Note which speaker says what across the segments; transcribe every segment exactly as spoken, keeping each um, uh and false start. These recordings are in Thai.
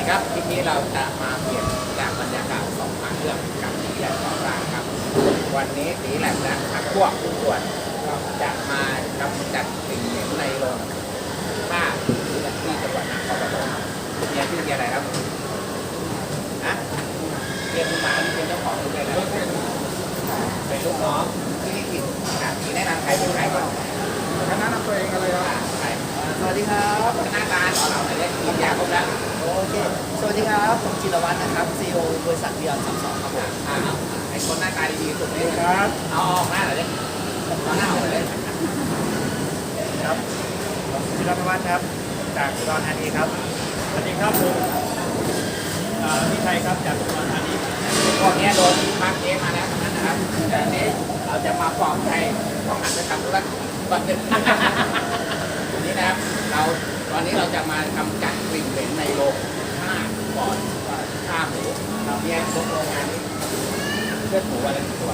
Speaker 1: ครับคลิปนี้เราจะมาเปลี่ยนจากบรรยากาศสองหาเรื่องกับสีแหลมก่อสร้างครับวันนี้สีแหลมและพักพวกทุกส่วนจะมากำจัดสิ่งเหม็นในโรงฆ่าที่จังหวัดนครปฐมเนี่ยชื่ออะไรครับฮะเรียนมาที่เป็นเจ้าของเลยนะเป็นลูกน้องที่นี่กินสีแนะนำใครเป็นใครก่อน
Speaker 2: คณะนำตัวเองอะไรครับ
Speaker 1: สวัสดีครับคณะการของเราเนี่ยกินยาครบแล้ว
Speaker 3: โอเคสวัสดีครับผมจิรวัฒน์นะครับ ซี อี โอ บริษัทเบียร์สามสองครับผม
Speaker 1: อ่าไอ้คนหน้าตาดีๆสุดเลยครับเอาออกหน้าหน่อยเลยเอาหน้าออกเลย
Speaker 2: ครับผมจิรวัฒน์ครับจากอุดรธานีครับสวัสดีครับผมพี่ชัยครับจากอุดรธานี
Speaker 1: พวกนี้โดนพักเกมมาแล้วนะครับแต่อันนี้เราจะมาปลอบใจต้องหันไปทำธุรกิจบัตรเด็ดนี้นะครับเราตอนนี้เราจะมากำจัดกลิ่นเหม็นในโรงฆ่าก่อนฆ่าหมูเราเนี่ยพวกโรงงานนี้เลือดหมูอะไรตัว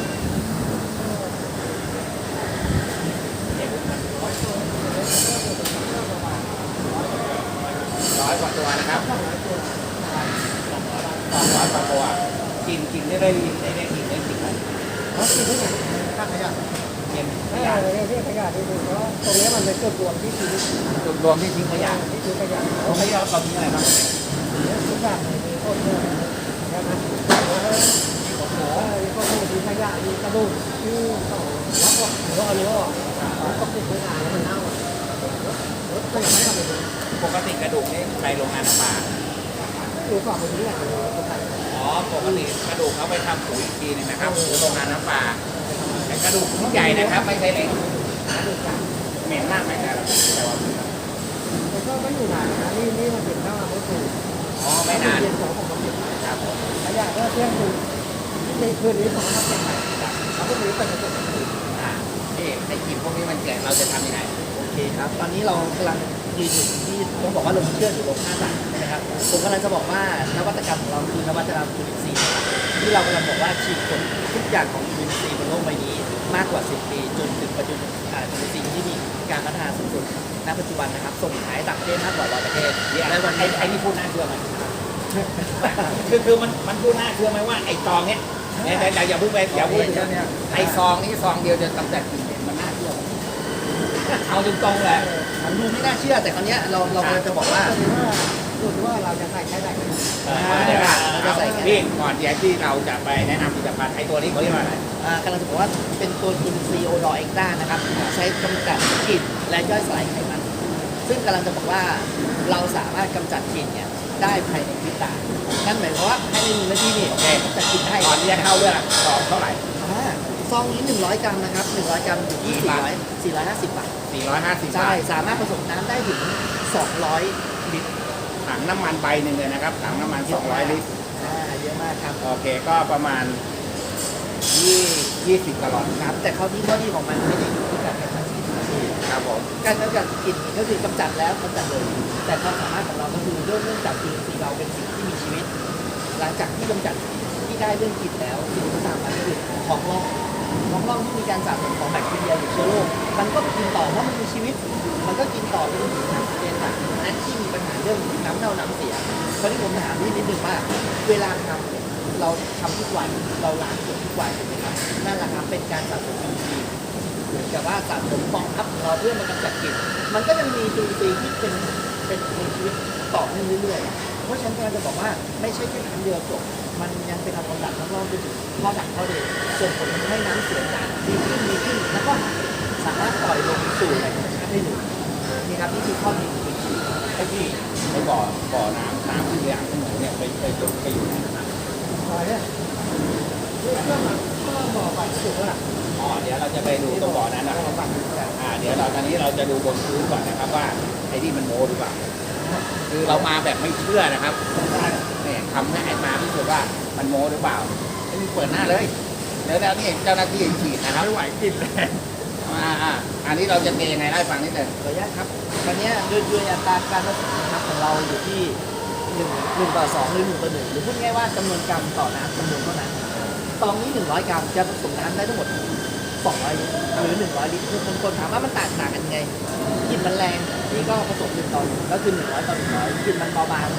Speaker 1: ร้อยกว่าตัวนะครับสองร้อยกว่าตัวกินกินได้ได้ได้ได้กินได้กินอะไร
Speaker 3: เขากินได้ไงข้างขยะ
Speaker 1: เย็นข
Speaker 2: ยะ
Speaker 1: ยะ
Speaker 2: ที่ขยะที่ดูเพราะตรงนี้มันเป็นจุดรวมที่ทิ้ง
Speaker 1: จุดรวมที่ทิ้งขยะ
Speaker 2: ที่ทิ้งขยะ
Speaker 1: ตรงนี้เราเราทิ้งอะไรบ้าง
Speaker 2: ทุกอย่างมีโคตรเยอะใช่ไหมมีโคตรหัวมีโคตรมีขยะมีกระดูกที่ต่อรับออกหรือว่าเอาเนื้อออกก็ติดไว้นานแล้วมันเน่าก็ยังไม่ทำเลย
Speaker 1: ปกติกระดูกนี่ไปโรงงานน้ำปลา
Speaker 2: ดูก่อนไปที่ไหน
Speaker 1: อ๋อปกติกระดูกเขาไปทำปุ๋ยอีกทีนึงนะครับหรือโรงงานน้ำปลาแต่กระดูกทุกใหญ่นะครับไม่ใช่เล็กเหม็นมากไหมครับแต่ว่า
Speaker 2: มันก็ไม่อยู่นานนะนี่นี่มันเป็นข้าวไม่ถูก
Speaker 1: อ๋อไม่นาน
Speaker 2: เย็นของผมมันเย็นครับขยะก็เที่ยงคืนในคืนนี้ผมทำเป็นใหม่เขาก็มีเป็นกระจก
Speaker 1: อ่าที่ให้กินพวกนี้มันแก่เราจะทำยังไง
Speaker 3: โอเคครับตอนนี้เรากำลังยืนอยู่ที่ต้องบอกว่าลงเชื่ออยู่ลงห้าหลักนะครับผมกำลังจะบอกว่านวัตกรรมของเราคือนวัตกรรมจุลินทรีย์ที่เรากำลังบอกว่าฉีดผลทุกอย่างของจุลินทรีย์บนโลกใบนี้มากกว่าสิบปีจนถึงปัจจุบันจุลินทรีย์ที่มีการพัฒนาสูงสุดณปัจจุบันนะครับส่งขายต่างประเทศมากกว่าร้อยประเทศ
Speaker 1: และวันนี้ไอ้นี่พูดน่าเชื่อไหมคือคือมันมันพูดน่าเชื่อไหมว่าไอ้ซองเนี้ยเนี่ยแต่อย่าพูดไปอย่าพูดถึงเนี่ยไอ้ซองนี้ซองเดียวจะกำจัดกลิ่นเหม็นมันน่าเชื่อเอาตรงๆเลย
Speaker 3: มันดูไม่น่าเชื่อแต่คราวนี้เราเราจะบอกว่า
Speaker 2: ดูว่าเราจะใส่แค่ไหน
Speaker 1: เดี๋ยวเราจะใส่พี่ก่อนเดี๋ยวที่เราจะไปแนะนำผลิตภัณฑ์ไอ้ตัวนี้เขาเรียกว่าอะไร
Speaker 3: กำลังจะบอกว่าเป็นตัวจุลินทรีย์โอดอเอ็กต้านะครับใช้กำจัดกลิ่นและย่อยสลายไขมันซึ่งกำลังจะบอกว่าเราสามารถกำจัดกลิ่นเนี่ยได้ภายในพริบตานั่นหมายความว่าภายในหนึ่งนาทีนี่กำจัดกลิ่นได้
Speaker 1: ก่อนที่จะเข้าเรื่องซองเท่าไหร่
Speaker 3: ซองนี้หนึ่งร้อยกรัมนะครับหนึ่งร้อยกรัมอยู่ที่สี่ร้อยสี่ร้อยห้าสิบบาท
Speaker 1: สี่ร้อยห้าสิบ
Speaker 3: ใช่สามารถผสมน้ำได้ถึงสองร้อยลิตร
Speaker 1: ถังน้ำมันใบหนึ่งเลยนะครับถังน้ำมันสองร้อยลิตร
Speaker 3: อ่าเยอะมากครับ
Speaker 1: โอเคก็ประมาณยี่ยี่สิบกะลอน
Speaker 3: ครับแต่เขาที่ข้อดีของมันไม่ได้อยู่ที่การกำจัดกลิ่น
Speaker 1: ครับผม
Speaker 3: การกำจัดกลิ่นก็คือกำจัดแล้วกำจัดเลยแต่ความสามารถของเราก็คือเรื่องเรื่องจากจุลินทรีย์เราเป็นสิ่งที่มีชีวิตหลังจากที่กำจัดที่ได้เรื่องกลิ่นแล้วสิ่งที่ตามมาคือของร่องของร่องที่มีการสะสมของแบคทีเรียหรือเชื้อโรคมันก็กินต่อเพราะมันมีชีวิตมันก็กินต่อจนถึงน้ำเย็นต่างนั้นที่มีปัญหาเรื่องน้ำเน่าน้ำเสียคราวนี้ผมถามนิดนึงว่าเวลาทำเนี่ยเราทำทุกวันเราล้างขวดทุกวันถูกไหมครับนั่นแหละครับเป็นการสะสมจุลินทรีย์เหมือนกับว่าสะสมฟองทับเราเพื่อมากำจัดกลิ่นมันก็ยังมีจุลินทรีย์ที่เป็นเป็นมีชีวิตต่อเนื่องเรื่อยๆเพราะฉะนั้นเราจะบอกว่าไม่ใช่แค่ครั้งเดียวจบมันยังเป็นการกำจัดทั้งรอบไปถึงข้อดักข้อเดียวส่งผลทำให้น้ำเสียดีขึ้นดีขึ้นแล้วก็สามารถปล่อยลงสู่แหล่งธรรมชาติได้เลยนี่ครับนี่คือข้อดีของจุลินทรีย์
Speaker 1: ไอ้ที่ไอ้บ่อบ่อน้ำน้ำที่อย่างที่หนูเนี่ยไปไปจบไปอยู่ไหนนะครับ
Speaker 2: บ่อเนี่ยเรื่องมันก็บ่อไปสุดแล้ว
Speaker 1: อ๋อเดี๋ยวเราจะไปดูตรงบ่อนั้นนะอ่าเดี๋ยวเราตอนนี้เราจะดูบนพื้นก่อนนะครับว่าไอ้ที่มันโม้หรือเปล่าคือเรามาแบบไม่เชื่อนะครับเนี่ยทำให้ไอ้มาพิสูจน์ว่ามันโม้หรือเปล่าไอ้นี่เปิดหน้าเลยเดี๋ยวแล้วนี่เจ้าหน้าที่ฉีดนะครับ
Speaker 2: ไม่ไหวกินเลย
Speaker 1: อ่าอ่าอันนี้เราจะเทยังไงได้ฟังนิดนึง
Speaker 3: ขออนุญาตครับตอนนี้โดยโดยอัตราการผสมน้ำของเราอยู่ที่หนึ่งหนึ่งต่อสองหรือหนึ่งต่อหนึ่งหรือพูดง่ายว่าจำนวนกรัมต่อน้ำจำนวนเท่านั้นซองนี้หนึ่งร้อยกรัมจะผสมน้ำได้ทั้งหมดสองร้อยลิตรหรือหนึ่งร้อยลิตรคือคนคนถามว่ามันต่างต่างกันยังไงกลิ่นมันแรงนี่ก็ผสมหนึ่งต่อหนึ่งก็คือหนึ่งร้อยต่อหนึ่งร้อยกลิ่นมันเบาบางก็ผสม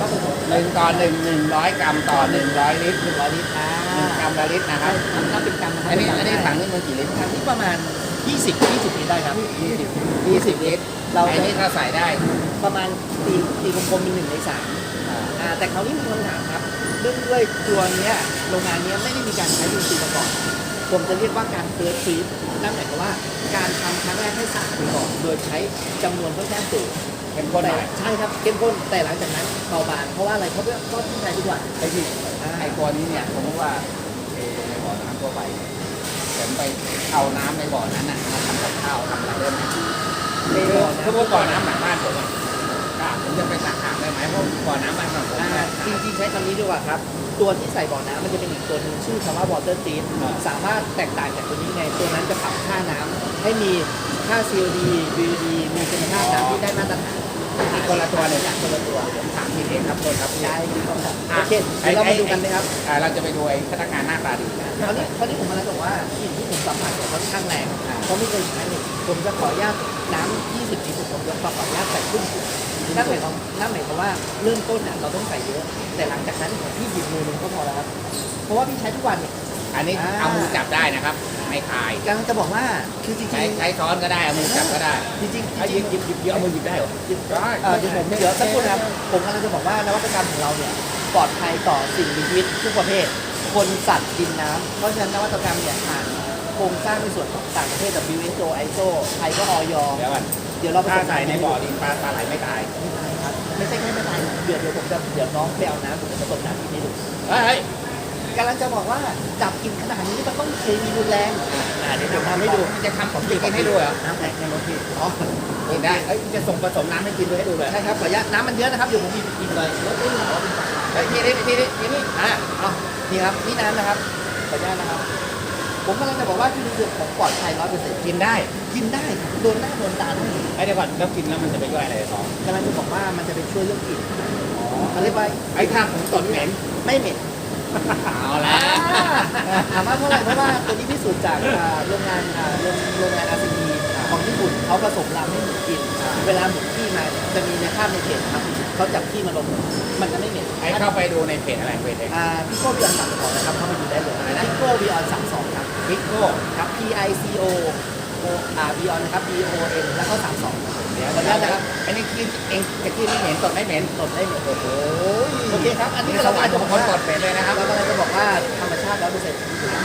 Speaker 1: หนึ่งต่อหนึ่งหนึ่งร้อยกรัมต่อหนึ่งร้อยลิตร
Speaker 3: หนึ่งร้อยลิตรอ่า
Speaker 1: หนึ่งกรัมละลิตรนะครับ
Speaker 3: ถ้าเป็นกรัมนะครับ
Speaker 1: อันนี้
Speaker 3: เป็
Speaker 1: อันนี้
Speaker 3: กรัม
Speaker 1: ถังนี่มันกี่ลิตร
Speaker 3: ถังนี้ประมาณยี่สิบ ยี่สิบลิตรได้ครับ
Speaker 1: ยี่สิบยี่สิบลิตร
Speaker 3: เรา
Speaker 1: อันนี้ถ้าใส่ได้
Speaker 3: ประมาณตีตีกลมๆเป็นหนึ่งในสามอ่าแต่คราวนี้มีคำถามครับเรื่องด้วยตัวเนี้ยโรงงานเนี้ยไม่ได้มีการใช้ยูซีมาก่อนผมจะเรียกว่าการเฟิร์สฟีดนั่นหมายความว่าการทำครั้งแรกให้สะอาดไปก่อนโดยใช้จำนวนค่อนข้างสูง
Speaker 1: เข้มข้นห
Speaker 3: แต่
Speaker 1: น่อย
Speaker 3: ใช่ครับเข้มข้นแต่หลังจากนั้นเบาบางเพราะว่าอะไรเพราะว่าก็ที่ใช้ทุกวัน
Speaker 1: ไอ้ที่
Speaker 3: อ่า
Speaker 1: ไอ้ตัวนี้เนี่ยสมมติว่าเทในบ่อน้ำทั่วไปผมไปเอาน้ำในบ่อนั้นน่ะมาทำกับข้าวทำอะไรได้ไหม
Speaker 3: ใน
Speaker 1: คือ
Speaker 3: บ่อ
Speaker 1: คือ
Speaker 3: น้ำ
Speaker 1: ว่าบ่อน้ำหลังบ้านผมอ่ะก็ผมจะไปตักอ่างได้ไหมเพราะบ่อน้ำบ้านของผม
Speaker 3: อ่า
Speaker 1: เนี่ย
Speaker 3: จริงๆใช้คำนี้ดีกว่าครับ ตัวที่ใส่บ่อน้ำมันจะเป็นอีกตัวหนึงชื่อคำว่า water treat สามารถแตกต่างจากตัวนี้ไง ตัวนั้นจะปรับค่าน้ำให้มีค่า ซี โอ ดี บี ยู ดี มีคุณภาพน้ำที่ได้มาตรฐาน
Speaker 1: อีกคนละตัวเลย
Speaker 3: อย่างคนละตัว
Speaker 1: ผมถามทีเองครับโทษครับพี่
Speaker 3: ได้ครับ
Speaker 1: อ่ะ
Speaker 3: โอเคเดี๋ยวเรามาดูกันนะครับ
Speaker 1: อ่าเราจะไปดูไอ้พนักงานหน้าตาดีนะ
Speaker 3: คราวนี้คราวนี้ผมกำลังบอกว่ากลิ่นที่ผมสัมผัสเนี่ยค่อนข้างแรงเพราะไม่เคยใช้เลยผมจะขออนุญาตน้ำยี่สิบลิตรผมจะขออนุญาตใส่ครึ่งขวดนั่นหมายความนั่นหมายความว่าเริ่มต้นน่ะเราต้องใส่เยอะ แต่หลังจากนั้นพี่หยิบมือหนึงก็พอแล้วครับ เพราะว่าพี่ใช้ทุกวันเนี่ย
Speaker 1: อันนี้
Speaker 3: อ่า
Speaker 1: เอามือจับได้นะครับไม่คาย
Speaker 3: กำลังจะบอกว่าคือจริง
Speaker 1: ใช้ใช้ช้อนก็ได้เอามือจับก็ได้
Speaker 3: ๆจริงๆจริงๆ
Speaker 1: เอาหยิบหยิบหยิบหยิบเอามือหยิบได้เหรอ
Speaker 3: หยิบ
Speaker 1: ได้
Speaker 3: เออเดี๋ยวผมเดี๋ยวสักครู่นะครับผมกำลังจะบอกว่านวัตกรรมของเราเนี่ยปลอดภัยต่อสิ่งมีชีวิตทุกประเภท คนสัตว์ดินน้ำเพราะฉะนั้นนวัตกรรมเนี่ยผ่านโครงสร้างในส่วนของต่างประเทศ ดับเบิลยู เอช โอ ไอ เอส โอ ไทยก็ออย
Speaker 1: เดี๋ยวก่อน
Speaker 3: เดี๋ยวเรา
Speaker 1: ถ้าใส่ในบ่อดินปลาปลาไหลไม่ตาย
Speaker 3: ไม่ตายครับไม่ใช่แค่ไม่ตายเดี๋ยวเดี๋ยวผมจะเดี๋ยวน้องไปเอาน้ำผมจะผสมน้ำที่นี่ดู
Speaker 1: เฮ้ยเฮ้ย
Speaker 3: กำลังจะบอกว่าจับกินขนาดนี้มันต้องเคมีรุนแรง
Speaker 1: อ่าเดี๋ยวผมทำให้ดูมันจะทำของจริงให้ดูเหรอ
Speaker 3: น้ำแข็งในรถพี่อ๋อ
Speaker 1: กินได้เอ้ยจะส่งผสมน้ำให้กินด้วยให้ดูเลย
Speaker 3: ใช่ครับขออนุญาตน้ำมันเยอะนะครับเดี๋ยวผมมีกินเลยรถไม่มีขอเป็นฝา
Speaker 1: เฮ้ยนี่นี่นี่นี่นี่
Speaker 3: อ่ะเอานี่ครับนี่น้ำนะครับขออนุญาตนะครับ ผมกำลังจะบอกว่าที่นี่คือของปลอดภัยร้อยเปอร์เซ็นต์
Speaker 1: กินได้
Speaker 3: กินได้โดนหน้าโดนตาได้
Speaker 1: ไอ้เดี๋ยวก่อนแล้วกินแล้วมันจะไปย่อยอะไรท้อง
Speaker 3: กำลังจะบอกว่ามันจะไปช่วยเรื่องกลิ่น
Speaker 1: อ๋อ
Speaker 3: เขาเรียกว่า
Speaker 1: ไอ้ถ้าผมตดเหม็น
Speaker 3: ไม่เหม็น
Speaker 1: เอาละ
Speaker 3: ถามว่าเพราะอะไรเพราะว่าตัวนี้พิสูจน์จากอ่าโรงงานอ่าโรงโรงงานอาซีดีของญี่ปุ่นเขาผสมลำให้หมูกิน เวลาหมูขี้มาเนี่ยจะมีในภาพในเพจนะครับเขาจับขี้มาลงมันจะไม่เหม็น
Speaker 1: ไอ้เข้าไปดูในเพจอะไรเพจเอง
Speaker 3: อ่าพี่โก้บีออนสามสองนะครับเข้าไปดูได้เลยพี่โก้บีออนสามสองครับ
Speaker 1: พิกโก้
Speaker 3: ครับ P I C O O อ่า B on นะครับ B O N แล้วก็สามสอง
Speaker 1: เดี๋ยว
Speaker 3: ขออนุญาตนะครับ
Speaker 1: อันนี้กินเองจะกินไม่เหม็นตดไม่เหม็น
Speaker 3: ตดได้เหมือนโอ้โห
Speaker 1: โอ้ย
Speaker 3: โอเคครับ อันนี้
Speaker 1: นี่ส
Speaker 3: เรา
Speaker 1: วรร
Speaker 3: กำลัง
Speaker 1: ค์
Speaker 3: จะ
Speaker 1: ข
Speaker 3: บ
Speaker 1: อ
Speaker 3: อง ก
Speaker 1: คน
Speaker 3: ว่า
Speaker 1: ตดเป็นเลยนะครับ
Speaker 3: เรากำลังจะบอกว่าธรรมชาติร้อยเปอร์เซ็นต์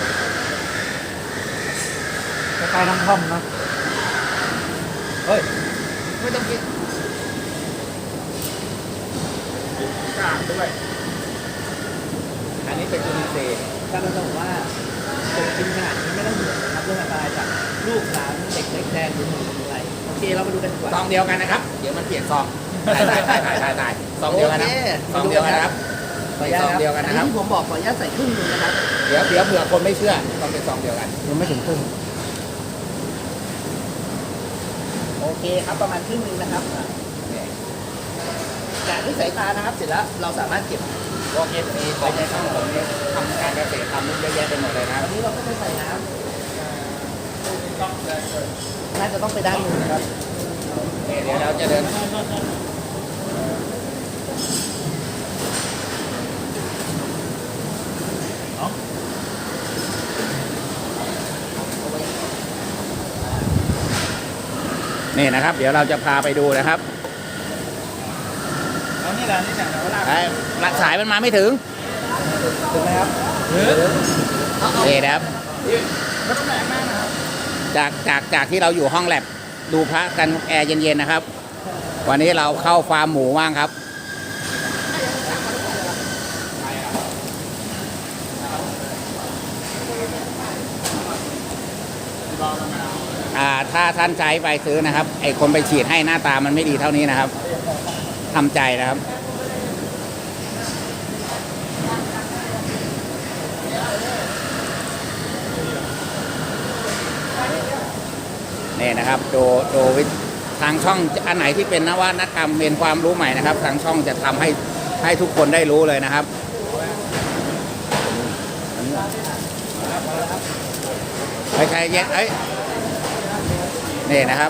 Speaker 2: คล้ายๆน้ำท่อมนะ
Speaker 1: เฮ้ยไม่ต้องกินกากด้วยอันนี้เป็นจุลินทรีย์
Speaker 3: กำลังจะบอกว่าผมกินขนาดนี้ไม่ต้องห่วงนะครับเรื่องอันตรายจากลูกหลานเด็กเล็กแดงหรือหนูหรืออะไรโอเคเรามาดูกันดีกว่า
Speaker 1: ซองเดียวกันนะครับ เดี๋ยวมันเปลี่ยนซองได้ได้ได้ได้ได้ซองเดียวกันนะซองเดียวกันนะครับ
Speaker 3: ขออนุญาต
Speaker 1: ซองเดียวกันนะครับ
Speaker 3: อัที่ผมบอกขออนุญาตใส่ครึ่งหนึงนะครับ
Speaker 1: เดี๋ยวเดี๋ยวเผื่อคนไม่เชื่อต้องเป็นซองเดียวกัน
Speaker 2: ยังไม่ถึงครึ่ง
Speaker 3: โอเคครับประมาณครึ่งหนึงนะครับ
Speaker 1: นี่
Speaker 3: แกะด้วยสายตานะครับ เสร็จแล้วเราสามารถเก็บ
Speaker 1: พวกเอฟซีของในช่องผมเนี่ยทำการเกษตรทำนู่นเยอะแยะไปหมดเลยนะ
Speaker 3: อันนี้เราก็ไม่ใส่น้ำน่าจะต้องไปด้านนู้นนะครับ
Speaker 1: นี่เดี๋ยวเราจะเดินนี่นะครับ เดี๋ยวเราจะพาไปดูนะครับ
Speaker 2: แล้วนี่แหละนี่แหละเวลา
Speaker 1: ไอ้หลักสายมันมาไม่ถึง
Speaker 3: ถูกไหมครับ
Speaker 1: นี่นะครับ
Speaker 2: ไม่ต้องแรงมากนะครับ
Speaker 1: จากจากจากที่เราอยู่ห้องแลบดูพระกันแอร์เย็นๆนะครับ วันนี้เราเข้าฟาร์มหมูว่างครับ อ่าถ้าท่านใช้ไปซื้อนะครับ ไอคนไปฉีดให้หน้าตามันไม่ดีเท่านี้นะครับทำใจนะครับ นี่นะครับดูดูวิทางช่องอันไหนที่เป็นนวัตกรรมเป็นความรู้ใหม่นะครับ ทางช่องจะทำให้ให้ทุกคนได้รู้เลยนะครับไม่ใช่เย็นเอ้ยนี่นะครับ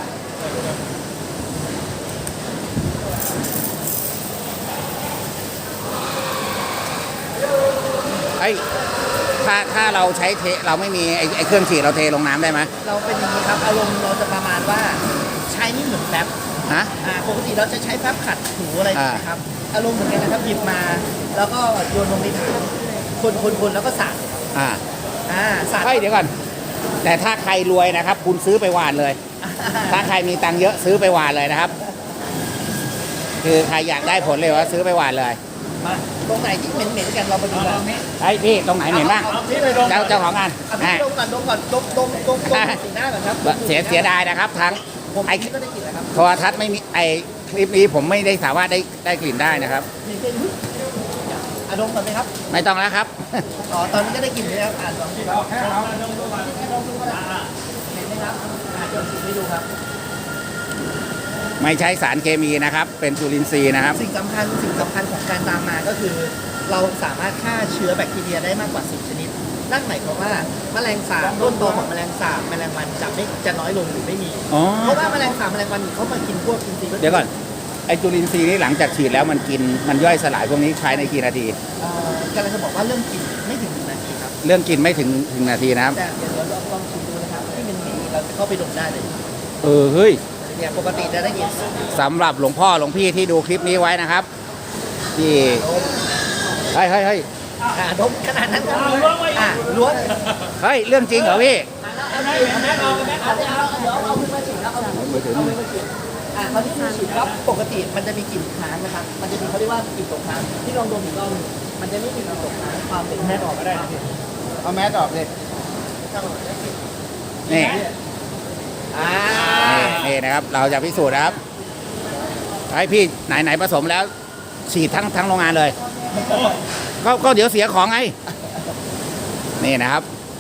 Speaker 1: อ้ยถ้าถ้าเราใช้เทเราไม่มีไอ้ไอ้เครื่องฉีดเราเทลงน้ำได้ไหม
Speaker 3: เราเป็นอย่างนี้ครับอารมณ์เราจะประมาณว่าใช้นี่เหมือนแป๊บ
Speaker 1: ฮะ
Speaker 3: อ่าปกติเราจะใช้แป๊บขัดถูอะไร
Speaker 1: อ่า
Speaker 3: นะครับอารมณ์เหมือนกันนะครับหยิบมา แล้วก็โยนลงในถังคนคนคนแล้วก็สาด
Speaker 1: อ่า
Speaker 3: อ่าสาด
Speaker 1: เฮ้ยเดี๋ยวก่อน แต่ถ้าใครรวยนะครับ คุณซื้อไปหวานเลย ถ้าใครมีตังค์เยอะซื้อไปหวานเลยนะครับ คือใครอยากได้ผลเลยว่าซื้อไปหวานเลย
Speaker 3: มาตรงไหนที่เหม็นเหม็นๆกันเราไปดูกัน
Speaker 1: ไอ้ยพี่ตรงไหนเหม็นบ้าง
Speaker 3: อที่ไปดม
Speaker 1: เจ้าเจ้าของงาน
Speaker 3: เอาพี่
Speaker 1: อ่ะ
Speaker 3: ดมก่อนดมก่อนดมดมดมดมสีหน้าก่อนครับดม
Speaker 1: เสียเสียดายนะครับ ทั้ง
Speaker 3: ผม
Speaker 1: ไอ้
Speaker 3: นี่ก็ได้กลิ่นแล้วครับ
Speaker 1: โทรทัศน์ไม่มีไอ้คลิปนี้ผมไม่ได้สามารถได้ได้กลิ่นได้นะครับ
Speaker 3: มีกลิ่นอุ๊ยอ่ะดมก่อนไหมครับ
Speaker 1: ไม่ต้องแล้วครับ
Speaker 3: อ๋อตอนนี้ก็ได้กลิ่นแล้วอ่านลองดูครับแค่เอาดมดูก่อนแค่ดมดูก็ได้เห็นไหมครับอ่าดมกลิ่นให้ดูครับ
Speaker 1: ไม่ใช้สารเคมีนะครับ เป็นจุลินทรีย์นะครับ
Speaker 3: สิ่งสำคัญสิ่งสำคัญของการตามมาก็คือ เราสามารถฆ่าเชื้อแบคทีเรียได้มากกว่าสิบชนิด นั่นหมายความว่าแมลงสาบต้นตอของแมลงสาบแมลงวันจะไม่จะน้อยลงหรือไม่มี
Speaker 1: อ๋อ
Speaker 3: เพราะว่าแมลงสาบแมลงวันเขามากินพวกอินทรีย์
Speaker 1: เดี๋ยวก่อน ไอ้จุลินทรีย์นี้หลังจากฉีดแล้วมันกิน มันย่อยสลายพวกนี้ใช้ในกี่นาที
Speaker 3: เอ่อกำลังจะบอกว่าเรื่องกินไม่ถึงหนึ่งนาทีครับ
Speaker 1: เรื่องกินไม่ถึงถึงนาทีนะครับ
Speaker 3: แต่เดี๋ยวเราลองชิมดูนะครับที่มันมีเราจะเข้าไปดมได้เลย
Speaker 1: เออ เฮ้ย
Speaker 3: เนี่ยปกติจะได้กลิ่น
Speaker 1: สำหรับหลวงพ่อหลวงพี่ที่ดูคลิปนี้ไว้นะครับ ที่ เฮ้ยเฮ้ยเฮ้ย
Speaker 3: อ่าดมขนาดนั้นครับอ่าล้วง
Speaker 1: เฮ้ย เรื่องจริงเหรอพี่
Speaker 3: เอาแม่เอาแม่เอาเดี๋ยวเอาเดี๋ยวเอามือมาฉีดแล้วเอามือมาฉีดเอามือมาฉีดอ่าเขาที่มือฉีดครับปกติมันจะมีกลิ่นค้างนะครับ มันจะมีเขาเรียกว่ากลิ่นตกค้างที่ลองดมอีกรอบหนึ่งมันจะไม่มีกลิ่นตกค้างความเป็นแม่ออกก็ได้
Speaker 1: เอาแมสออกเลย นี่
Speaker 3: อ่า
Speaker 1: นี่นี่นะครับ เราจะพิสูจน์นะครับไอ้พี่ไหนไหนผสมแล้ว ฉีดทั้งทั้งโรงงานเลย ก็ก็เดี๋ยวเสียของไง นี่นะครับ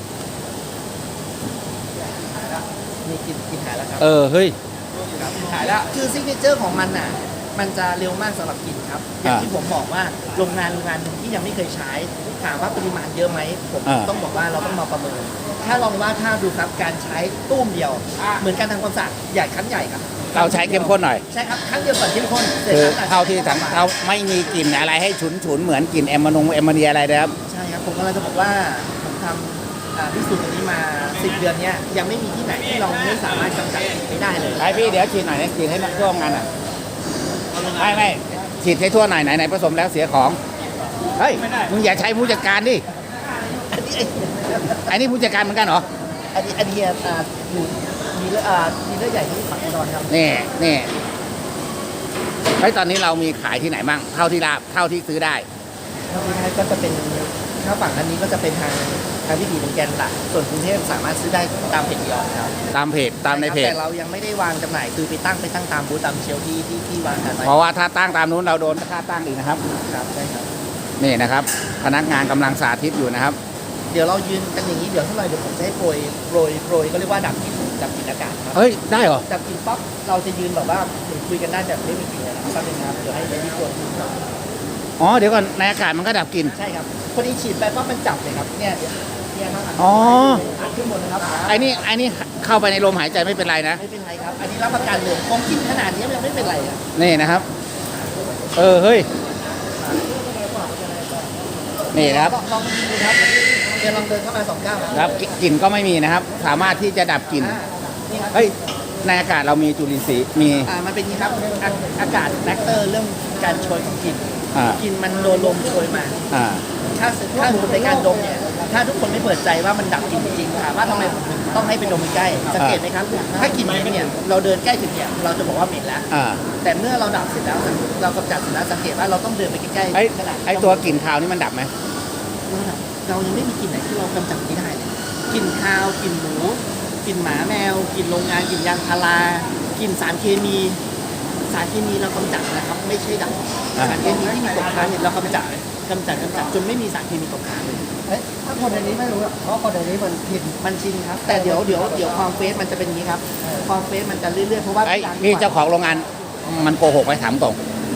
Speaker 3: มีกลิ่นกลิ่นหายแล้วครับ
Speaker 1: เออ เฮ้ย
Speaker 3: หายแล้วคือซิกเนเจอร์ของมันน่ะ มันจะเร็วมากสำหรับกลิ่นครับ อย่าง
Speaker 1: อ่า
Speaker 3: ที่ผมบอกว่าโรงงานโรงงานหนึ่งที่ยังไม่เคยใช้ ถามว่าปริมาณเยอะไหมผม
Speaker 1: อ่า
Speaker 3: ต้องบอกว่าเราต้องมาประเมิน ถ้าลองว่าถ้าดูครับการใช้ตุ้มเดียว เหมือนการทำความสะอาดใหญ่ครั้งใหญ่ครับ
Speaker 1: เราใช้เข้มข้นหน่อย
Speaker 3: ใช่ครับครั้งเดียวก่อนเข้มข้นสร็จ
Speaker 1: คือ
Speaker 3: แล้ว
Speaker 1: เท่าที่สังเราไม่มีกลิ่นอะไรให้ฉุนฉุนๆเหมือนกลิ่นแอมโมนงแอมโมเนียอะไรนะครับ
Speaker 3: ใช่ครับผมกำลังจะบอกว่าผมทำอ่าพิสูจน์ตัวนี้มาสิบเดือนเนี้ยยังไม่มีที่ไหนที่เราไม่สามารถกำจัดกลิ่นไม่ได้เลย
Speaker 1: ไอพี่เดี๋ยวฉีดหน่อยนะฉีดให้มันทั่วงานอ่ะไม่ไม่ฉีดให้ทั่วหน่อยไหนไหนผสมแล้วเสียของ เฮ้ย มึงอย่าใช้ผู้จัดการดิ
Speaker 3: อันนี้
Speaker 1: ไอ้นี่ผู้จัดการเหมือนกันเหรอ
Speaker 3: อันนี้อันนี้อ่าอยู่มีเลือดอ่ามีเลือดใหญ่ที่ฝังแน่นอนครับ
Speaker 1: นี่นี่เฮ้ยตอนนี้เรามีขายที่ไหนบ้างเท่าที่ราบเท่าที่ซื้อได้
Speaker 3: ถ้าไม่ได้ก็จะเป็นถ้าฝั่งอันนี้ก็จะเป็นทางทางที่ดีเป็นแกนหลักส่วนกรุงเทพสามารถซื้อได้ตามเพจยอดครับ
Speaker 1: ตามเพจตามในเพจ
Speaker 3: แต่เรายังไม่ได้วางจำหน่ายคือไปตั้งไปตั้งตามบูธตามเชลฟ์ที่ที่ที่วางกันไว้
Speaker 1: เพราะว่าถ้าตั้งตามนู้นเราโดนค่าตั้งอีกนะครับ
Speaker 3: ครับใช่ครับ
Speaker 1: นี่นะครับ พนักงานกำลังสาธิตอยู่นะครับ
Speaker 3: เดี๋ยวเรายืนกันอย่างนี้เดี๋ยวเท่าไหร่เดี๋ยวผมจะให้โปรยโปรยโปรยก็เรียกว่าดับกลิ่นดับกลิ่นอากาศครับ
Speaker 1: เฮ้ยได้เหรอ
Speaker 3: ดับกลิ่นปั๊บเราจะยืนแบบว่าเหมือนคุยกันได้แบบไม่มีกลิ่นเลยนะครับแป๊บนึงครับเดี๋ยวให้ให้พี่โปรย
Speaker 1: อ๋อเดี๋ยวก่อนในอากาศมันก็ดับกลิ่น
Speaker 3: ใช่ครับพอดีฉีดไปปั๊บมันจับเลยครับเนี่ยเนี่ยครับ
Speaker 1: อ๋อ
Speaker 3: อัดขึ้นหมดนะครับ
Speaker 1: ไอ้นี่ไอ้นี่เข้าไปในลมหายใจไม่เป็นไรนะ
Speaker 3: ไม่เป็นไรครับ อันนี้รับประกันเลยผมกินขนาดนี้ยังไม่เป็นไรอ่ะ
Speaker 1: นี่นะครับ เออเฮ้ย นี่นะครับ
Speaker 3: ลองดูครับเดี๋ยวลองเดินเข้ามาสองก้าวครับ
Speaker 1: ครับกลิ่นก็ไม่มีนะครับ สามารถที่จะดับกลิ่น
Speaker 3: อ่านี่ครับ
Speaker 1: เฮ้ยในอากาศเรามีจุลินทรีย์มี
Speaker 3: อ่ามันเป็นอย่างนี้ครับอาอากาศแฟกเตอร์เรื่องการโชยของกลิ่น
Speaker 1: อ่าก
Speaker 3: ลิ่นมันโดนลมโชยมา
Speaker 1: อ่า
Speaker 3: ถ้าถ้าในการดมเนี่ยถ้าทุกคนไม่เปิดใจว่ามันดับกลิ่นจริงๆถามว่าทำไมผมถึงต้องให้ไปดมใกล้สังเกตไหมครับ ถ้ากลิ่นเหม็นเนี่ยเราเดินใกล้ถึงเนี่ยเราจะบอกว่าเหม็นแล้ว
Speaker 1: อ่า
Speaker 3: แต่เมื่อเราดับเสร็จแล้วเรากำจัดเสร็จแล้วสังเกตว่าเราต้องเดินไปใกล้
Speaker 1: ไอ้
Speaker 3: ๆขนาด
Speaker 1: ไอ้ตัวกลิ่นคาวนี่มันดับไหม
Speaker 3: เราดับเรายังไม่มีกลิ่นไหนที่เรากำจัดไม่ได้เลยกลิ่นคาวกลิ่นหมูกลิ่นหมาแมวกลิ่นโรงงานกลิ่นยางพารากลิ่นสารเคมี สารเคมีเรากำจัดนะครับไม่ใช่ดับสารเคมีที่มีตกค้างเนี่ยเรากำจัดกำจัดกำจัดจนไม่มีสารเคมีตกค้างเลย
Speaker 2: เฮ้ยถ้าคนในนี้ไม่รู้อะเพราะคนในนี้มันผิด
Speaker 3: มันชินครับแต่เดี๋ยวเดี๋ยวเดี๋ยวความเฟสมันจะเป็นอย่างนี้ครับความเฟสมันจะเรื่อยๆเพราะว่า
Speaker 1: ไอ้นี่เจ้าของโรงงานมันโกหกไหมถามตรง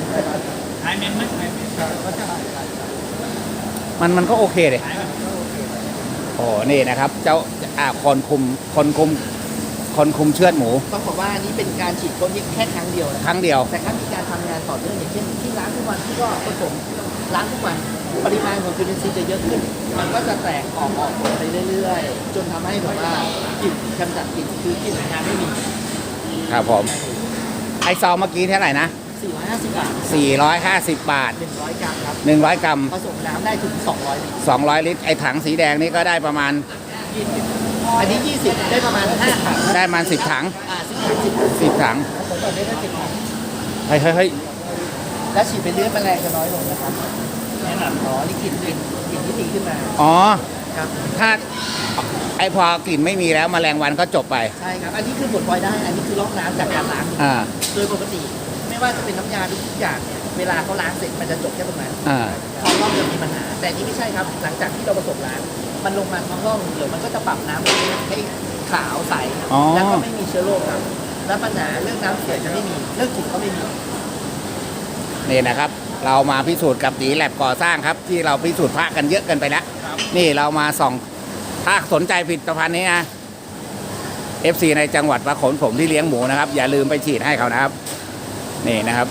Speaker 1: มันมันก็โอเคเลยโอ้นี่นะครับ เจ้าอ่าคนคุมคนคุมคนคุมเชือดหมู
Speaker 3: ต้องบอกว่าอันนี้เป็นการฉีดพ่นแค่ครั้งเดียวนะ
Speaker 1: ครั้งเดียว
Speaker 3: แต่ถ้ามีการทำงานต่อเนื่องอย่างเช่นที่ล้างทุกวันที่ก็ผสมล้างทุกวันปริมาณของจุลินทรีย์จะเยอะขึ้น มันก็จะแตกออกออกไปเรื่อยๆ จนทำให้แบบว่ากลิ่นกำจัดกลิ่นคือกลิ่นงานไม่มี
Speaker 1: ครับผม ไอซองเมื่อกี้เท่าไหร่นะ
Speaker 3: สี่ร้อยห้าสิบบาท
Speaker 1: สี่ร้อยห้าสิบ บาท
Speaker 3: หนึ่งร้อยกรัมครับ
Speaker 1: หนึ่งร้อย กรัม
Speaker 3: ผสมน้ำได้ถึงสองร้อยลิตร
Speaker 1: สองร้อย ลิตร ไอถังสีแดงนี่ก็ได้ประมาณ
Speaker 3: ยี่สิบอันนี้ยี่สิบได้ประมาณห้าถัง
Speaker 1: ได้ประมาณสิบถัง
Speaker 3: อ่าสิบถังสิบ
Speaker 1: สิบถัง
Speaker 3: ผมแบบนี้ได้สิบถัง
Speaker 1: เฮ้ยเฮ้ยเฮ้ย
Speaker 3: แล้วฉีดไปเรื่อยแมลงจะน้อยลงนะครับแนะนำอ๋อนี่กลิ่นกลิ่นกลิ่นที่ดีขึ้นมา
Speaker 1: อ๋อ
Speaker 3: ครับ
Speaker 1: ถ้าไอพอกลิ่นไม่มีแล้วแมลงวันก็จบไป
Speaker 3: ใช่ครับ อันนี้คือผลพลอยได้ อันนี้คือลอกน้ำจากการล้าง
Speaker 1: อ่า
Speaker 3: โดยปกติ ไม่ว่าจะเป็นน้ำยาทุกอย่างเนี่ยเวลาเขาล้างเสร็จมันจะจบแค่ตรงนั้น
Speaker 1: อ่า
Speaker 3: ท้องร่องจะมีปัญหา แต่นี่ไม่ใช่ครับ หลังจากที่เราผสมล้างมันลงมาท้องร่องเดี๋ยวมันก็จะปรับน้ำให้ขาวใส
Speaker 1: อ๋อ
Speaker 3: แล้วก็ไม่มีเชื้อโรคครับ และปัญหาเรื่องน้ำเสียจะไม่มีเรื่องกลิ่นก็ไม่มี
Speaker 1: นี่นะครับ เรามาพิสูจน์กับตีแลบก่อสร้างครับ ที่เราพิสูจน์พระกันเยอะเกันไปแล้ว นี่เรามาส่อง ถ้าสนใจผลิตภัณฑ์นี้นะ เอฟ ซี ในจังหวัดประขนผมที่เลี้ยงหมูนะครับ อย่าลืมไปฉีดให้เขานะครับ นี่นะครับ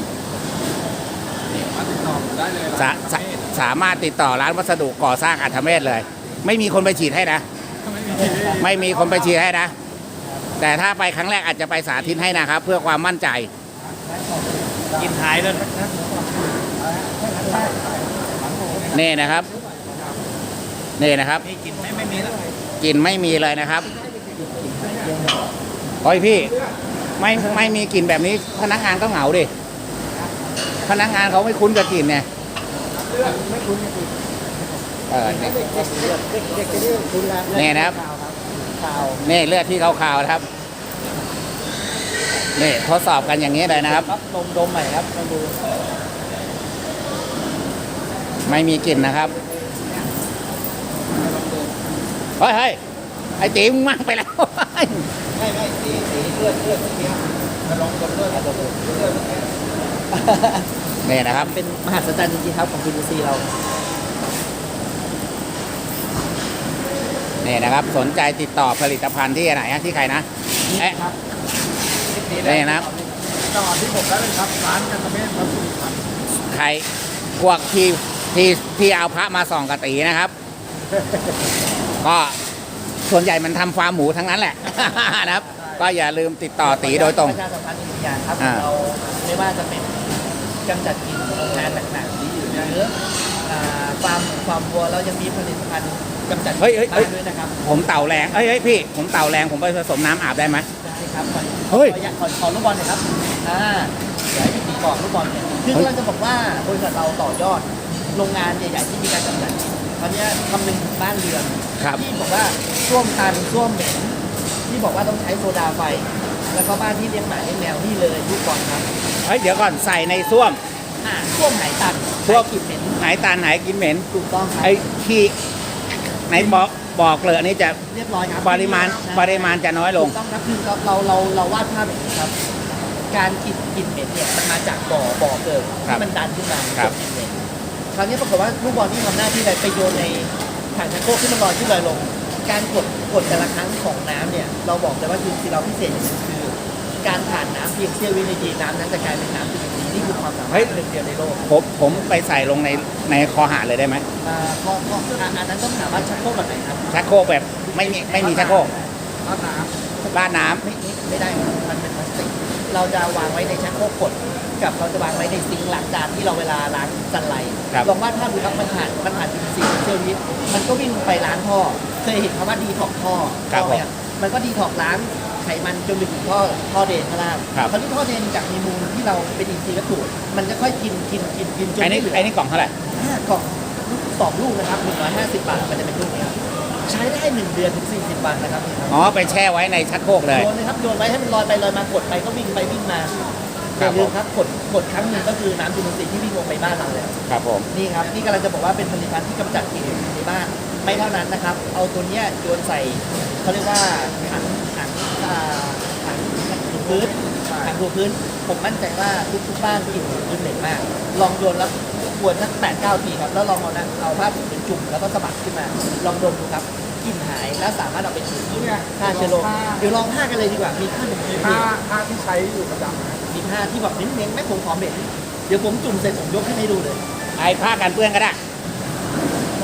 Speaker 1: สาสาสามารถติดต่อร้านวัสดุก่อสร้างอัธเมศเลย ไม่มีคนไปฉีดให้นะ ไม่มีคนไปฉีดให้นะ แต่ถ้าไปครั้งแรกอาจจะไปสาธิตให้นะครับ เพื่อความมั่นใจ
Speaker 3: กินหายเลย
Speaker 1: นี่นะครับ นี่นะครับ
Speaker 3: นี่กินไม่ไม่มีแล้ว
Speaker 1: กลิ่นไม่มีเลยนะครับโอ้ยพี่ ไม่ไม่มีกลิ่นแบบนี้ พนักงานก็เหงาดิ พนักงานเขาไม่คุ้นกับกลิ่นเนี่ย
Speaker 2: ไม่คุ้นไม่คุ้น
Speaker 1: เออเนี่ย
Speaker 2: เด็กเด็กเด็กเด็กเด็กจะเรียกคุ้นแล้ว
Speaker 1: นี่นะครับ
Speaker 2: ข่าว
Speaker 1: นี่เลือดที่ขาวๆนะครับ นี่ทดสอบกันอย่างนี้เลยนะครับ
Speaker 3: ครับดมดมใหม่ครับมาดู
Speaker 1: ไม่มีกลิ่นนะครับ เฮ้ยเฮ้ยไอ้ตีมึงมั่งไปแล้ว
Speaker 2: ไม่ไม่สีสีเลือดเลือดเนี้ยจะลองดมเลือดดมเลือด
Speaker 1: นี่นะครับ
Speaker 3: เป็นมหัศจรรย์จริงๆครับของจุลินทรีย์เรา
Speaker 1: นี่นะครับ สนใจติดต่อผลิตภัณฑ์ที่ไหนฮะที่ใครนะเอ๊ะ
Speaker 3: ครับ
Speaker 1: นี่นะครับ
Speaker 2: จังหวัดที่ผมได้เลยครับร้านกันตะเมฆวัดสุพรรณ
Speaker 1: ใครพวกที่ที่ที่เอาพระมาส่องกระตีนะครับ ก็ส่วนใหญ่มันทำฟาร์มหมูทั้งนั้นแหละ นะครับ ก็อย่าลืมติดต่อตีโดยตรง
Speaker 3: ประชาสัมพันธ์อีกอย่างครับ
Speaker 1: อ่า
Speaker 3: เราไม่ว่าจะเป็นกำจัดกลิ่นโรงงานหนักๆหรืออ่าฟาร์มฟาร์มวัวเรายังมีผลิตภัณฑ์กำจัดกลิ่น
Speaker 1: เฮ้ยเฮ้ยเฮ้ย
Speaker 3: บ้านด้วยนะครับ
Speaker 1: ผมเต่าแรงเอ้ยเฮ้ยพี่ ผมเต่าแรงผมไปผสมน้ำอาบได้ไหม
Speaker 3: ได้ครับขอ
Speaker 1: เฮ้ย
Speaker 3: ขอขอขอลูกบอลหน่อยครับอ่าเดี๋ยวให้พี่ตีกรอบลูกบอลเนี่ยคือ
Speaker 1: เฮ้ย
Speaker 3: เราจะบอกว่าบริษัทเราต่อยอดโรงงานใหญ่ๆที่มีการกำจัดกลิ่นคราวเนี้ยคำนึงถึงบ้านเรือน
Speaker 1: ครับ
Speaker 3: ที่บอกว่าส้วมตันส้วมเหม็นที่บอกว่าต้องใช้โซดาไฟ แล้วก็บ้านที่เลี้ยงหมาเลี้ยงแมวนี่เลยลูกบอลครับ
Speaker 1: เฮ้ยเดี๋ยวก่อนใส่ในส้วม
Speaker 3: อ่าส้วมหายตัน
Speaker 1: ส้วม
Speaker 3: หายกลิ่นเหม็น
Speaker 1: หายตาหายกินเหม็น
Speaker 3: ถูกต้องครับ
Speaker 1: ไอ้ขี้ในบอกบอกเกลือนี่จะ
Speaker 3: เรียบร้อยครับ
Speaker 1: ปริมาณปริมาณจะน้อยลง
Speaker 3: ถูกต้องครับคือเราเราเราเราวาดภาพแบบนี้ครับ การกลิ่นกลิ่นเหม็นเนี่ยมันมาจากบ่อบ่อเกิด
Speaker 1: ครับ
Speaker 3: ที่มันดันขึ้นมา
Speaker 1: ครับ
Speaker 3: กลิ่นเหม็นคราวนี้ปรากฏว่าลูกบอลที่ทำหน้าที่อะไรไปโยนในถังชักโครกที่มันลอยขึ้นลอยลง การกดกดแต่ละครั้งของน้ำเนี่ยเราบอกเลยว่าจุลินทรีย์เราพิเศษอย่างหนึงคือ การผ่านน้ำเพียงเสี้ยววินาทีน้ำนั้นจะกลายเป็นน้ำจุลินทรีย์นี่คือความสามารถหนึ่งเดียวในโลก
Speaker 1: ผมผมไปใส่ลงในในคอหาเลยได้ไหม
Speaker 3: อ่าพอพออันนั้นต้องถามว่าชักโครกแบบไหนครับ
Speaker 1: ชักโครกแบบไม่มีไม่มีชักโครก
Speaker 2: ร้านน้
Speaker 1: ราดน้ำ
Speaker 3: ไม่ไม่ไม่ได้ครับมันเป็นพลาสติกเราจะวางไว้ในชักโครกกดกับเราจะวางไว้ในซิงค์ล้างจานที่เราเวลาล้างจันไร
Speaker 1: ครับ
Speaker 3: ลองวาดภาพดูครับมันผ่านมันผ่านจุลินทรีย์เซลล์นี้มันก็วิ่งไปล้างท่อเคยเห็นคำว่าดีท็อกท่อท่อไหมครับมันก็ดีท็อกล้างไขมันจนไปถึงท่อท่อเดนข้างล่าง
Speaker 1: ครับ
Speaker 3: คราวนี้ท่อเดนจากมีมูลที่เราเป็นอินทรีย์วัตถุมันจะค่อยกินกินกินกินจน
Speaker 1: ไอ้นี่
Speaker 3: ไม่เหลือ
Speaker 1: ไอ้นี่กล่องเท่าไหร่
Speaker 3: ห้ากล่องสองลูกนะครับหนึ่งร้อยห้าสิบบาทมันจะเป็นลูกนี้ครับใช้ได้หนึ่งเดือนถึงสี่สิบวันนะครับ
Speaker 1: อ๋อไปแช่ไว้ในชักโครกเลย
Speaker 3: โยนเลยครับโยนไว้ให้มันลอยไปลอยมากดไปก็วิ่งไปวิ่งมาอ
Speaker 1: ครับ
Speaker 3: ย่าลืมครับกดกดครั้งหนึ่งก็คือน้ำจุลินทรีย์ที่วิ่งลงไปบ้านเราแล้ว
Speaker 1: ครับผม
Speaker 3: นี่ครับนี่กำลังจะบอกว่าเป็นผลิตภัณฑ์ที่กำจัดกลิ่นในบ้านไม่เท่านั้นนะครับ เอาตัวเนี้ยโยนใส่เขาเรียกว่าถังถังอ่าถังถังถูพื้นถังถูพื้น ผมมั่นใจว่าทุกทุกๆบ้านกลิ่นถูพื้นเหม็นมาก ลองโยนแล้วกวนสักแปดเก้าทีครับแล้วลองเอานะเอาผ้าถุงเป็นจุ่มแล้วก็สะบัดขึ้นมา ลองดมดูครับกลิ่นหายแล้วสามารถเอาไปถู
Speaker 2: ำเนี่ย
Speaker 3: ฆ่าเชื้อโรคเดี๋ยวลองผ้ากันเลยดีกว่ามีผ้าหนึ่ง
Speaker 2: มี
Speaker 3: มี
Speaker 2: ผ้าผ้าที่ใช้อยู่ประจำนะ
Speaker 3: มีผ้าที่แบบเน้นๆแม่ผมขอเหม็นเดี๋ยวผมจุ่มเสร็จผมยกขึ้นให้ดูเลย
Speaker 1: ไอ้ผ้ากันเปื้อนก็ได้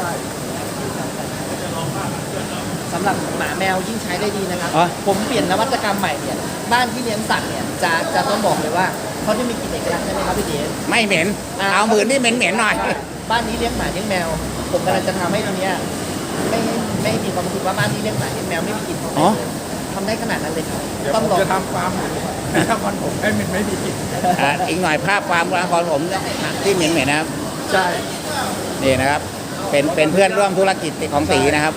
Speaker 3: สำหรับหมาแมวยิ่งใช้ได้ดีนะครับ
Speaker 1: อ๋อ
Speaker 3: ผมเปลี่ยนนวัตกรรมใหม่เนี่ยบ้านที่เลี้ยงสัตว์เนี่ยจะจะต้องบอกเลยว่าเขาจะมีกลิ่นเอกลักษณ์ใช่ไหมครับพี่เดช
Speaker 1: ไม่เหม็น
Speaker 3: อ่า
Speaker 1: เอามือนี่เหม็นเหม็นๆหน่อย
Speaker 3: บ้านนี้เลี้ยงหมาเลี้ยงแมว ผมกำลังจะทำให้ตรงเนี้ยไม่ไม่มีความรู้สึกว่าบ้านนี้เลี้ยงหมาเลี้ยงแมวไม่มีกลิ่นของ
Speaker 1: อ๋อ
Speaker 3: เลยทำได้ขนาดนั้นเลยครับ
Speaker 2: เดี๋ยว
Speaker 3: ต้
Speaker 2: ผ
Speaker 3: อง
Speaker 2: ม
Speaker 3: ลอง
Speaker 2: จะทำฟาร์มหมูนครผมให้มันไม่มีกลิ่น
Speaker 1: อ่ะอีกหน่อยภาพความรักของผมที่เหม็นเหม็นๆนะครับ
Speaker 2: ใช่
Speaker 1: นี่นะครับ เป็นเป็นเพื่อนร่วมธุรกิจของตีนะครับ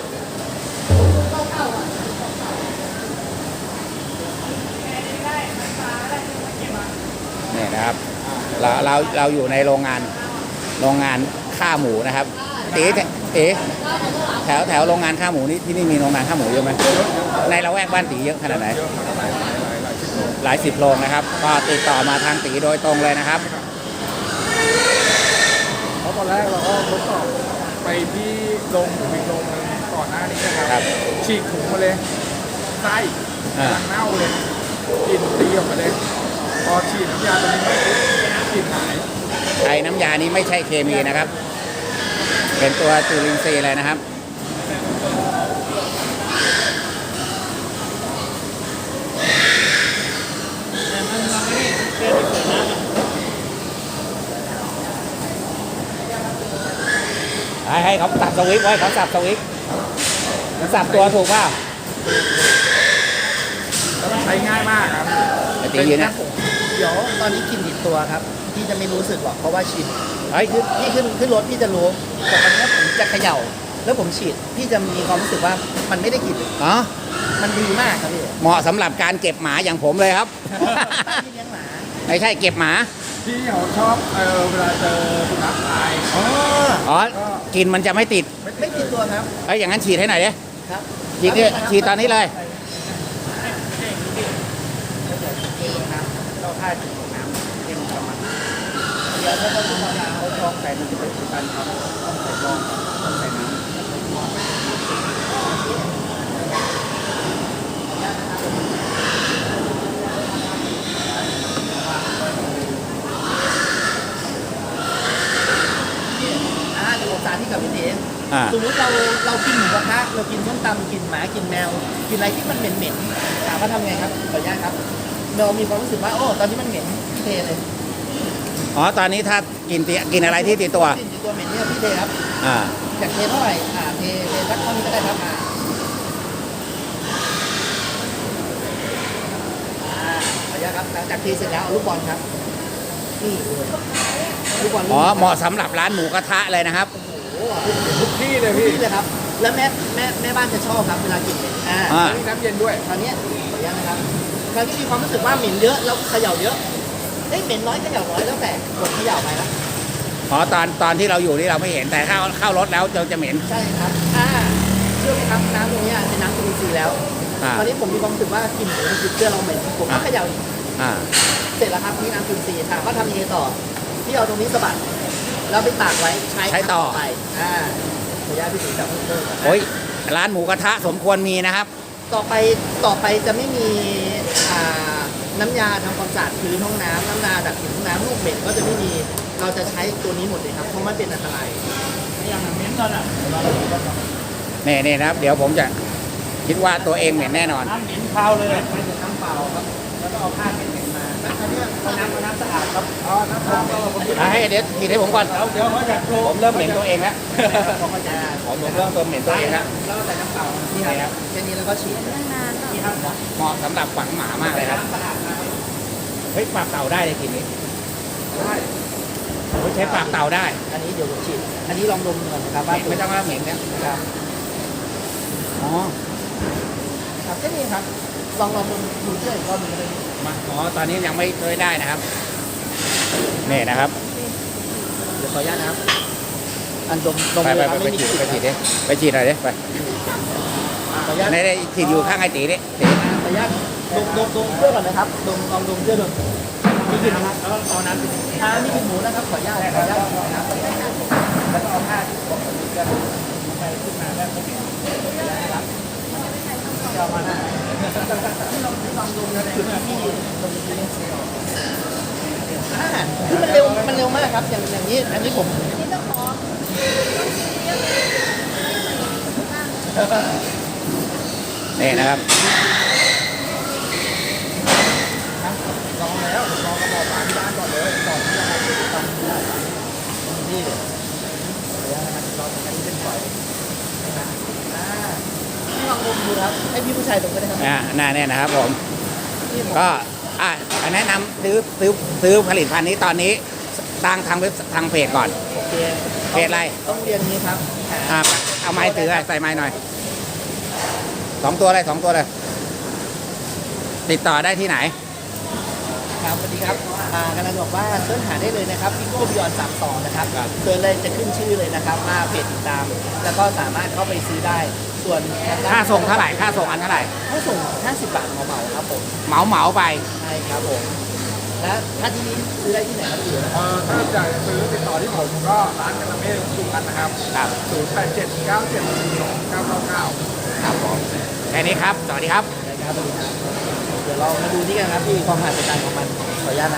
Speaker 1: นี่นะครับ เราเราเราอยู่ในโรงงานโรงงานฆ่าหมูนะครับตีตีแถวแถวโรงงานฆ่าหมูนี่ที่นี่มีโรงงานฆ่าหมูเยอะไหมในละแวกบ้านตีเยอะขนาดไหน
Speaker 2: เยอะครับหลายหลายหลายหลายสิบโล
Speaker 1: หลายสิบโรงนะครับ ก็ติดต่อมาทางตีโดยตรงเลยนะครับ
Speaker 2: เพราะตอนแรกเราก็ทดสอบไปที่โรงหมูอีกโรงหนึงก่อนหน้านี้นะค
Speaker 1: ครั
Speaker 2: รับ ฉีกถุงมาเลยไส้
Speaker 1: อ่า
Speaker 2: กำลังเน่าเลยกลิ่นตีออกมาเลย พอฉีดน้ำยาตัวนี้ไปปุ๊บกลิ่นหาย
Speaker 1: ไอ้น้ำยานี้ไม่ใช่เคมีนะครับ เป็นตัวจุลินทรีย์เลยนะครับ ให้ให้เขาสับสวิตช์ไว้เขาสับสวิตช์สับตัวถูกเปล่า
Speaker 2: แล้วมันใช้ง่ายมากครับ
Speaker 1: ไอ้ตียืนนะ
Speaker 3: เดี๋ยวตอนนี้กลิ่นติดตัวครับพี่จะไม่รู้สึกหรอกเพราะว่าชิน
Speaker 1: เฮ้ย
Speaker 3: คือพี่ขึ้นขึ้นรถพี่จะรู้แต่ตอนนี้ผมจะเขย่า แล้วผมฉีดพี่จะมีความรู้สึกว่ามันไม่ได้กลิ่น
Speaker 1: อ๋อ
Speaker 3: มันดีมากครับพี่
Speaker 1: เหมาะสำหรับการเก็บหมาอย่างผมเลยครับ
Speaker 3: พี่เลี้ยงหมา
Speaker 1: ไม่ใช่เก็บหมา
Speaker 2: ที่เขาชอบเออเวลาเจอสุนัขตาย
Speaker 3: อ๋อ
Speaker 1: อ๋อ กินมันจะไม่ติด
Speaker 3: ไม่ติดตัวครับ
Speaker 1: เอ้ยอย่างนั้นฉีดให้หน่อยดิ
Speaker 3: ครับ
Speaker 1: ฉีดเนี่ยฉีดตอนนี้เลย
Speaker 3: นี่ครับ
Speaker 1: เราค่าฉีดน้ำเข้มประมาณ
Speaker 3: เดี๋ยวถ้าต้องทำงาน
Speaker 1: เขาลองใส่หนึ่งเป็นตันครับต้องใส่ลองต้องใส่น้ำ
Speaker 3: อ่าเดี๋ยวผมสาธิตกับพี่เดช
Speaker 1: อ่า
Speaker 3: สมมติเราเรากินหมูกระทะเรากินส้มตำกินหมากินแมว กินอะไรที่มันเหม็นๆถามว่าทำไงครับขออนุญาตครับเรามีความรู้สึกว่าโอ้ตอนนี้มันเหม็นพี่เทเลย
Speaker 1: อ๋อ ตอนนี้ถ้ากินติกินอะไรที่ติดตัว
Speaker 3: กลิ่นอยู่ตัวเหม็นเนี่ยพี่เทครับ
Speaker 1: อ่า
Speaker 3: อยากเทเท่าไหร่อ่าเทเทสักเท่านี้ก็ได้ครับอ่าอ่าขออนุญาตครับหลังจากเทเสร็จแล้วเอาลูกบอลครับนี่เลยลูกบอล
Speaker 1: อ๋อ เหมาะสำหรับร้านหมูกระทะเลยนะครับ
Speaker 3: โอ้โห
Speaker 2: ทุกที่เลย
Speaker 3: นี่
Speaker 2: พี่
Speaker 3: เลยครับ แล้วแม่แม่แม่บ้านจะชอบครับเวลากินเหม็นอ่า
Speaker 1: อ่า
Speaker 2: มีน้ำเย็นด้วย
Speaker 3: คราวเนี้ยขออนุญาตนะครับคราวนี้มีความรู้สึกว่าเหม็นเยอะแล้วเขย่าเยอะเอ้ยเหม็นน้อยเขย่าน้อยแล้วแต่กดเขย่าไปแล้ว
Speaker 1: อ๋อ ตอนตอนที่เราอยู่นี่เราไม่เห็น แต่เข้าเข้ารถแล้วเราจะเหม็น
Speaker 3: ใช่ครับอ่าเชื่อไหมครับน้ำตรงเนี้ยเป็นน้ำจุลินทรีย์แล้ว
Speaker 1: อ่า
Speaker 3: คราวนี้ผมมีความรู้สึกว่ากลิ่นหมูมันติดเสื้อเราเหม็นผมก็
Speaker 1: อ่า
Speaker 3: เขย่าอีก
Speaker 1: อ่า
Speaker 3: เสร็จแล้วครับนี่น้ำจุลินทรีย์ถามว่าทำยังไงต่อพี่เอาตรงนี้สะบัดแล้วไปตากไว้ใช้
Speaker 1: ใช้ต่อ
Speaker 3: ไปอ่าขออนุญาตพี่สีจับเพิ่มเติมก่อนนะ
Speaker 1: โอ้ย ร้านหมูกระทะสมควรมีนะครับ
Speaker 3: ต่อไปต่อไปจะไม่มีอ่าน้ำยาทำความสะอาดพื้นห้องน้ำน้ำยาดับกลิ่นห้องน้ำลูกเหม็นก็จะไม่มีเราจะใช้ตัวนี้หมดเลยครับเพราะมันเป็นอันตรายอย่างเหม็นตอนอ่ะ
Speaker 1: นี่นี่นะครับ เดี๋ยวผมจะคิดว่าตัวเองเหม็นแน่นอน
Speaker 3: น้ำเหม็นคาวเลยไม่ถึงน้ำเปล่าครับแล้วก็เอาผ้าเหม็นๆมาแล้วคราวนี้เอาน้ำเอาน้ำสะอาดครับอ๋อน้ำเปล่าผม
Speaker 1: อ่ะให้เดี๋ยวฉีดให้ผมก่อน
Speaker 3: เดี๋ยวเดี๋ยวเขาจะโปร
Speaker 1: ผมเริ่มเหม็นตัวเองแล้ว
Speaker 3: ผมก็จะ
Speaker 1: ผมเริ่มตัวเหม็นตัวเองแล้ว
Speaker 3: แล้วก็ใส่น้ำเปล่านี่ครับแค่นี้แล้วก็ฉีดนี่ครับ
Speaker 1: เหมาะสำหรับฝังหมามากเลยครับ
Speaker 3: น้ำสะอาดนะครับ
Speaker 1: เฮ้ยปากเต่าได้เลยกินนี้
Speaker 3: ได้
Speaker 1: เฮ้ยใช้ปากเต่าได้
Speaker 3: อันนี้เดี๋ยวผมฉีดอันนี้ลองดมก่อนนะครับว่า
Speaker 1: ไม่ต้องว่าเหม็นนะครับ อ๋อ
Speaker 3: ครับแค่นี้ครับ ลองลองดูดูเชื่ออีกรอบหนึงก็ได้
Speaker 1: มาอ๋อ ตอนนี้ยังไม่เคยได้นะครับ นี่นะครับ
Speaker 3: เดี๋ยวขออนุญาตนะครับ อันดมดม
Speaker 1: ไป
Speaker 3: เล
Speaker 1: ไป
Speaker 3: ยครับ
Speaker 1: ไป
Speaker 3: ไม่มี
Speaker 1: ฉีด
Speaker 3: กลิ่น
Speaker 1: ไปฉีดดิไปฉีดหน่อยดิไป
Speaker 3: ขออนุญาต
Speaker 1: ในในฉีดอยู่ข้างไอ้ตีดิตี
Speaker 3: ขออนุญาตดมดมดมเชื่อก่อนนะครับดมลองดมเชื่อดูมีกลิ่นนะครับแล้วตอนนั้นอ่ามีกลิ่นหมูนะครับขออนุญาตขออนุญาตนะครับขออนุญาตนะครับแล้วก็เอาผ้าที่ปกติกันไปขึ้นมาแล้วก็เก็บนะครับจะเอามาได้ที่เราลองดมนะจุดที่ดมที่อ่าคือมันเร็วมันเร็วมากครับอย่างอย่างนี้อันนี้ผม
Speaker 1: นี่นะครับ
Speaker 2: ลองแล้วลองกระบอกปลาที่บ้านก่อนเลยก่อนที่จะไปทำได้นี่เดี๋ยวนะครับเราอันนี้เป็นฝอยนะครับอ่าพี่ลองดูดูครับให้พี่ผู้ชายตรงก็ได้ครับ
Speaker 1: อ่าหน้าเนี่ยนะครับผม
Speaker 2: นี่ผม
Speaker 1: ก็อ่ะแนะนำซื้อซื้อซื้อผลิตภัณฑ์นี้ตอนนี้สร้างทางเว็บทางเพจก่อน
Speaker 3: โอเค
Speaker 1: เพจอะไร
Speaker 3: ต้องเรียนนี้ครับหา
Speaker 1: อ่าเอาไม้ถือใส่ไม้หน่อยสองตัวเลยสองตัวเลย ติดต่อได้ที่ไหน
Speaker 3: ครับสวัสดีครับอ่ากำลังบอกว่าเสิร์ชหาได้เลยนะครับพิโก้บิออนสามสองนะครับ
Speaker 1: ครับ
Speaker 3: เสิร์ชเลยจะขึ้นชื่อเลยนะครับว่าเพจติดตาม แล้วก็สามารถเข้าไปซื้อได้ ส่วนทงด้น
Speaker 1: ค่าส่งเท่าไหร่ค่าส่งอันเท่าไหร่
Speaker 3: ค่าส่งห้าสิบบาทเหมาๆครับผม
Speaker 1: เหมาเหมาไป
Speaker 3: ใช่ครับผมและถ้าที่นี้ซื้อได้ที่ไหนครับพี่
Speaker 2: เอ่อถ้าอยากจะซื้อติดต่อที่ผมก็ร้านกาลาเม่สุกันนะครับ
Speaker 1: ครับ
Speaker 2: ศูนย์แปดเจ็ดเก้าเจ็ดสี่สองเก้าเก้าเก้า
Speaker 1: ครับผมแค่นี้ครับ สวัสดีครับ
Speaker 3: นะครับสวัสดีครับเดี๋ยวเรามาดูนี่กันครับพี่ความมหัศจรรย์ของมันขออนุญาตนะ